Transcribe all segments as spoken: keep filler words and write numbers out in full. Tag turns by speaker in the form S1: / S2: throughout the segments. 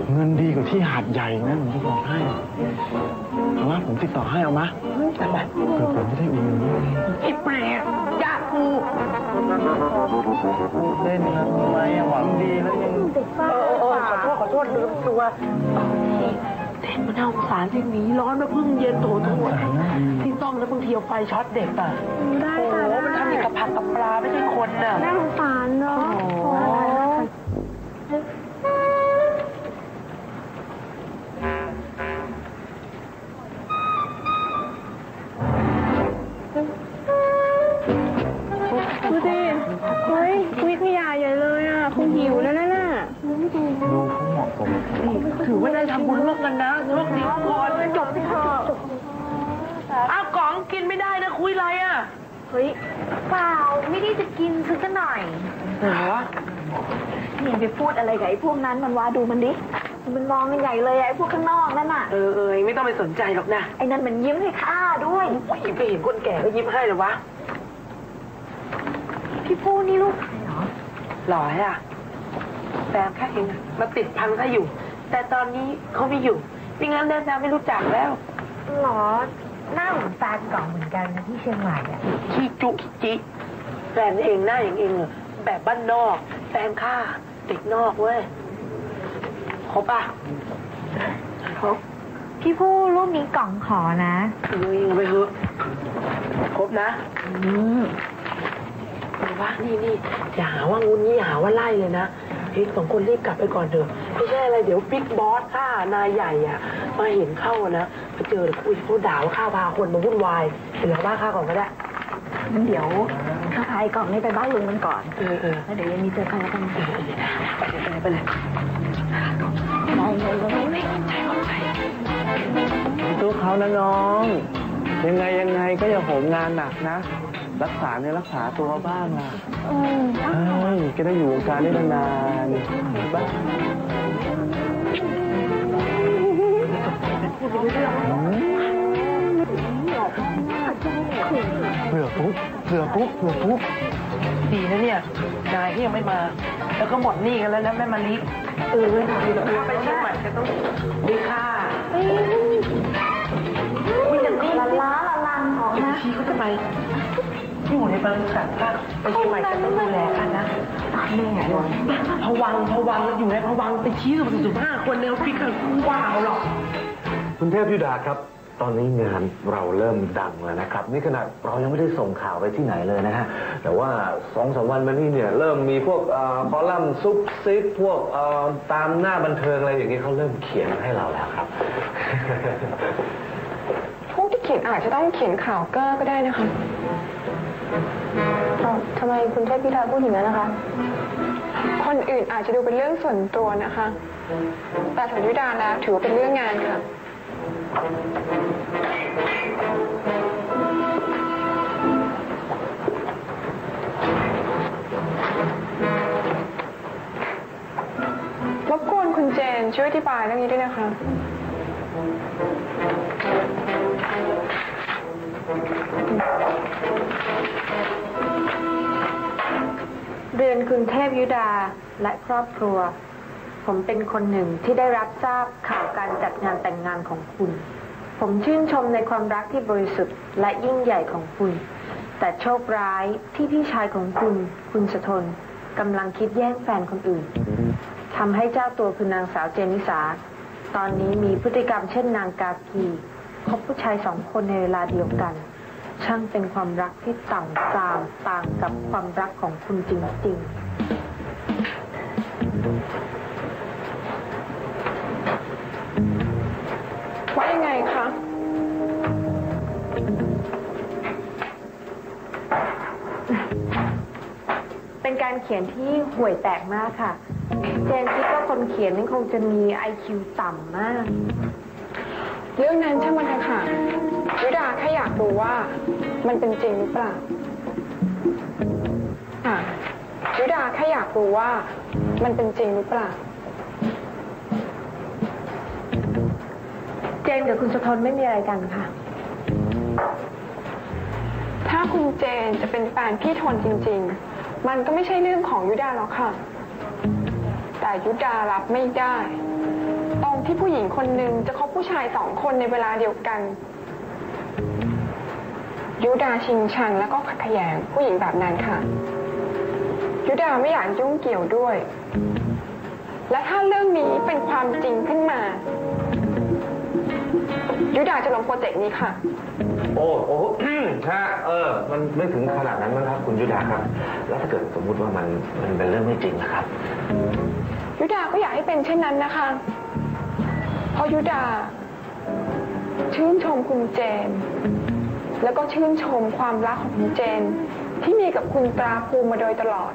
S1: เงินดีกว่าที่หาดใหญ่นะผมจะบอกให้เอาวะผมติดต่อให้เอามะแต่แบบเผื่อผมจะได้อุ่นนี้ไอ้เปรตยากกูเล่นนะทำไมหวังดีแล้วยังเออเออขอโทษขอโทษลืมตัวเต้นมันน่าสงสารที่หนีร้อนมาเพิ่งเย็นโถโถที่ต้องแล้วบางทีเอาไฟช็อตเด็กอ่ะได้ค่ะโอ้มันทำอย่างกับผักกับปลาไม่ใช่คนน่ะน่าสงสารเนาะดูสิเฮ้ยวิทยาใหญ่เลยอ่ะคงหิวแล้วนะน่ะดูเขาเหมาะสมถือว่าได้ทำบุญร่วมกันนะร่วมนี้ก่อนจบที่เธออ้าวกล่องกินไม่ได้นะคุยอะไรอ่ะเฮ้ยเปล่าไม่ได้จะกินซื้อกันหน่อยเหรอนี่ไปพูดอะไรกับไอ้พวกนั้นมันว่าดูมันดิมันมองกันใหญ่เลยไอ้พวกข้างนอกนั่นน่ะเออเออไม่ต้องไปสนใจหรอกนะไอ้นั่นมันยิ้มให้ข้าด้วยโอ้ยไปเห็นคนแก่ก็ยิ้มให้เหรอวะพี่พูนี่ลูกใครเหรอหล่ออ่ะแฟนข้าเองมาติดพันข้าอยู่แต่ตอนนี้เขาไม่อยู่ไม่งั้นแน่ๆไม่รู้จักแล้วหรอหน้าเหมือนแฟนเก่าเหมือนกันนะที่เชียงใหม่อ่ะขี้จุขี้จิแฟนเองหน้าอย่างเองแบบบ้านนอกแฟนข้าเด็กนอกเว้ยครบป่ะครบพี่ผู้รูปนี้กล่องขอนะเอ้ยไปเถอะครบนะอืมว่านี่นี่อย่าหาว่างุนนี่หาว่าไล่เลยนะเฮ้ยสองคนรีบกลับไปก่อนเถอะไม่ใช่อะไรเดี๋ยวบิ๊กบอสข้านายใหญ่อ่ะมาเห็นเข้านะมาเจอคุยเขาด่าว่าข้าพาคนมาวุ่นวายเดี๋ยวบ้านข้าก่อนก็ได้งั้นเดี๋ยวข้าพายกล่องนี้ไปบ้านลุงมันก่อนเออเออแล้วเดี๋ยวยังมีเจอกันแล้วกันไปเลยไปเลยไปเลยไปเลยไม่ใจเข้าใจตู้เขานะน้องยังไงยังไงก็อย่าโหมงานหนักนะรักษาเนี่ยรักษาตัวบ้างล่ะเออเฮ้ยก็ได้อยู่วงการได้นานๆบ้างเผื่อปุ๊บเผื่อปุ๊บเผื่อปุ๊บดีนะเนี่ยนายที่ยังไม่มาแล้วก็หมดหนี้กันแล้วนะแม่มาลิเออดีแล้วไปเชียงใหม่จะต้องดีค่ะไม่ยังก็ล้าล้าลันของนะชี้เขาทำไมอยู่ในบริษัทค่ะไปเชียงใหม่จะต้องดูแลกันนะแม่พวังพวังอยู่ในพวังไปชี้สุดสุดห้าคนในออฟฟิศกันว้าวหรอกคุณเทพยุดาครับตอนนี้งานเราเริ่มดังแล้วนะครับนี่ขนาดเรายังไม่ได้ส่งข่าวไปที่ไหนเลยนะฮะแต่ว่าสองสามวันมานี้เนี่ยเริ่มมีพวกคอลัมน์ซุปซิปพวกตามหน้าบันเทิงอะไรอย่างนี้เขาเริ่มเขียนให้เราแล้วครับพวกที่เขียนอาจจะต้องเขียนข่าวเก้อก็ได้นะคะทำไมคุณเทพพิธาพูดอย่างนั้นนะคะคนอื่นอาจจะดูเป็นเรื่องส่วนตัวนะคะแต่สำหรับยุดาแล้วถือว่าเป็นเรื่องงานค่ะรบกวนคุณเจนช่วยอธิบายเรื่องนี้ด้วยนะคะเรียนคุณเทพยุดาและครอบครัวผมเป็นคนหนึ่งที่ได้รับทราบข่าวการจัดงานแต่งงานของคุณผมชื่นชมในความรักที่บริสุทธิ์และยิ่งใหญ่ของคุณแต่โชคร้ายที่พี่ชายของคุณคุณสทนกำลังคิดแย่งแฟนคนอื่นทำให้เจ้าตัวคือนางสาวเจนิสาตอนนี้มีพฤติกรรมเช่นนางกากีคบผู้ชายสองคนในเวลาเดียวกันช่างเป็นความรักที่ต่ำทรามต่างกับความรักของคุณจริงๆว่ายังไงคะเป็นการเขียนที่ห่วยแตกมากค่ะเจนคิดว่าคนเขียนนี่คงจะมี ไอ คิว ต่ำมากเรื่องนั้นช่างมันเถอะค่ะยุดาแค่อยากรู้ว่ามันเป็นจริงหรือเปล่าอ่ะยุดาแค่อยากรู้ว่ามันเป็นจริงหรือเปล่าเจนกับคุณสะทนไม่มีอะไรกันค่ะถ้าคุณเจนจะเป็นแฟนพี่ทนจริงๆมันก็ไม่ใช่เรื่องของยุดาหรอกค่ะแต่ยุดารับไม่ได้
S2: ตรงที่ผู้หญิงคนหนึ่งจะคบผู้ชายสองคนในเวลาเดียวกันยุดาชิงชังแล้วก็ขัดแย้งผู้หญิงแบบนั้นค่ะยุดาไม่อยากยุ่งเกี่ยวด้วยและถ้าเรื่องนี้เป็นความจริงขึ้นมายุดาจะลงโปรเจกต์นี้ค่ะ
S3: โอ้โอ้ฮะเออมันไม่ถึงขนาดนั้นมั้งครับคุณยุดาครับแล้วถ้าเกิดสมมุติว่ามันมันเป็นเรื่องไม่จริงนะครับ
S2: ยุดาก็อยากให้เป็นเช่นนั้นนะคะเพราะยุดาชื่นชมคุณเจนแล้วก็ชื่นชมความรักของคุณเจนที่มีกับคุณตราภูมิมาโดยตลอด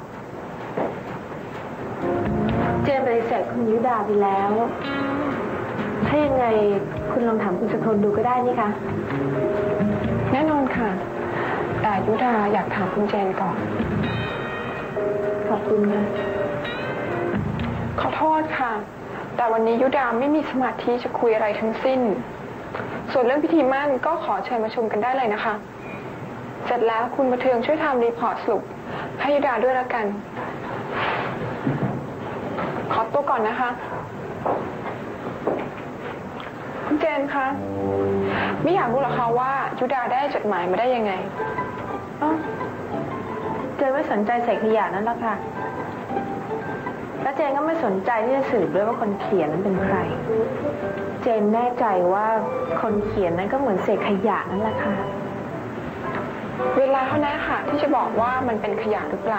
S1: เจนปฏิเสธคุณยุดาไปแล้วถ้ายังไงคุณลองถามคุณสกลดูก็ได้นี่คะ
S2: แน่นอนค่ะแต่ยุดาอยากถามคุณเจนก่อน
S1: ขอบคุณนะ
S2: ขอโทษค่ะแต่วันนี้ยุดาไม่มีสมาธิจะคุยอะไรทั้งสิ้นส่วนเรื่องพิธีมั่นก็ขอเชิญมาชมกันได้เลยนะคะเสร็จแล้วคุณประเทืองช่วยทำรีพอร์ตสรุปให้ยุดาด้วยแล้วกันขอตัวก่อนนะคะคุณเจนคะไม่อยากรู้หรอคะว่ายุดาได้จดหมายมาได้ยังไง
S1: อ๋อเจนไม่สนใจเศษขยะนั่นหรอกค่ะแล้วเจนก็ไม่สนใจที่จะสืบด้วยว่าคนเขียนนั้นเป็นใครเจนแน่ใจว่าคนเขียนนั้นก็เหมือนเศษขยะนั่นแหละค่ะ
S2: เวลาเท่านั้นค่ะที่จะบอกว่ามันเป็นขยะหรือเปล่า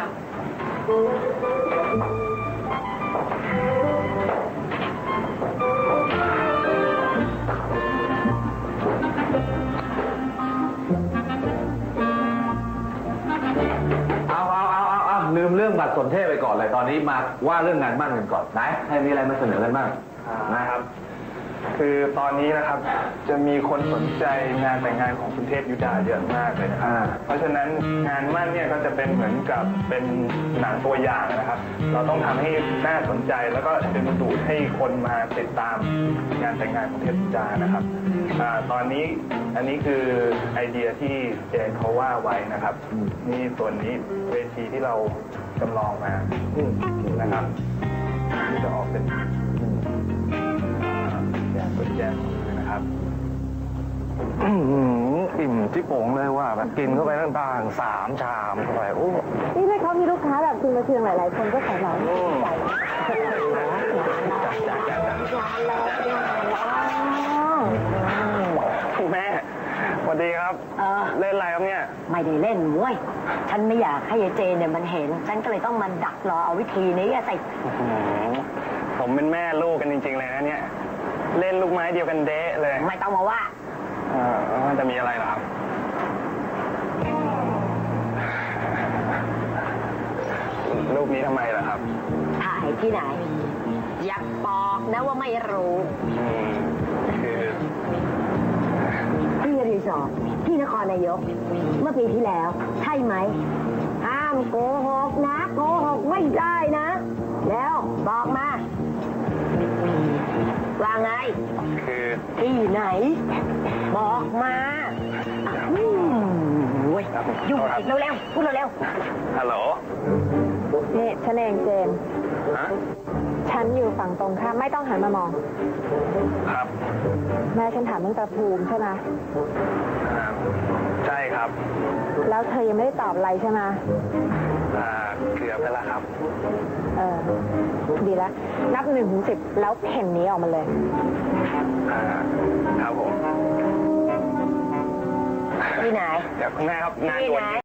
S3: เอาเอาเอาเอาเอาลืมเรื่องบัตรสนเทศไปก่อนเลยตอนนี้มาว่าเรื่องงานมั่นกันก่อนไหนให้มีอะไรมาเสนอกันบ้าง
S4: นะครับคือตอนนี้นะครับจะมีคนสนใจงานแต่งงานของคุณเทพยุดาเยอะมากเลยนะครับเพราะฉะนั้นงานมั่นเนี่ยก็จะเป็นเหมือนกับเป็นหนังตัวอย่างนะครับเราต้องทำให้น่าสนใจแล้วก็ดึงดูดให้คนมาติดตามงานแต่งงานของเทพยุดานะครับอ่าตอนนี้อันนี้คือไอเดียที่เจนเขาว่าไว้นะครับนี่ส่วนนี้เวทีที่เราจำลองมานะครับที่จะออกเป็นแจกเป็นแจกเลยนะครับอิ่มที่โป่งเลยว่าแบบกินเข้าไปตั้งต่างสามชามเข้าไปโอ้
S1: นี่เลยเขามีลูกค้าแบบคุณมาเชียงหลายๆคนก็ขอเราใหญ่
S4: คุณแม่สวัสดีครับเล่นอะไรครับเนี่ย
S5: ไม่ได้เล่นมวยฉันไม่อยากให้ยายเจนเนี่ยมันเห็นฉันก็เลยต้องมันดักรอเอาวิธีนี้อะสิ
S4: ผมเป็นแม่ลูกกันจริงๆเลยนะเนี่ยเล่นลูกไม้เดียวกันเดะเลย
S5: ไม่ต้องมาว่า
S4: เออจะมีอะไรหรอครับรูปนี้ทำไมล่ะครับ
S5: ถ่ายที่ไหนอยากบอกนะว่าไม่รู้
S4: คือ
S5: ที่รีสอร์ทที่นครนายกเมื่อปีที่แล้วใช่ไหมห้ามโกหกนะโกหกไม่ได้นะแล้วบอกมาว่าไง
S4: คือ
S5: ที่ไหนบอกมาอืมโว้ยยุ่งอีกเร็วๆพูดเร็ว
S4: ๆฮัลโหล
S2: นี่ฉันเองเจน
S4: ฮะ
S2: ฉันอยู่ฝั่งตรงข้ามไม่ต้องหันมามอง
S4: ครับ
S2: แม่ฉันถามเรื่องตาภูมิใช่ไหม
S4: ใช่ครับ
S2: แล้วเธอยังไม่ได้ตอบอะไรใช่ไหม
S4: อ่าเกือบไปแล้วครับ
S2: เออดีแล้วนับหนึ่งถึงสิบแล้วเพ่นนี้ออกมาเลย
S4: อ่าครับผม
S5: ที่ไหน
S4: เดี๋ยวคุณแม่ครับงานด่วน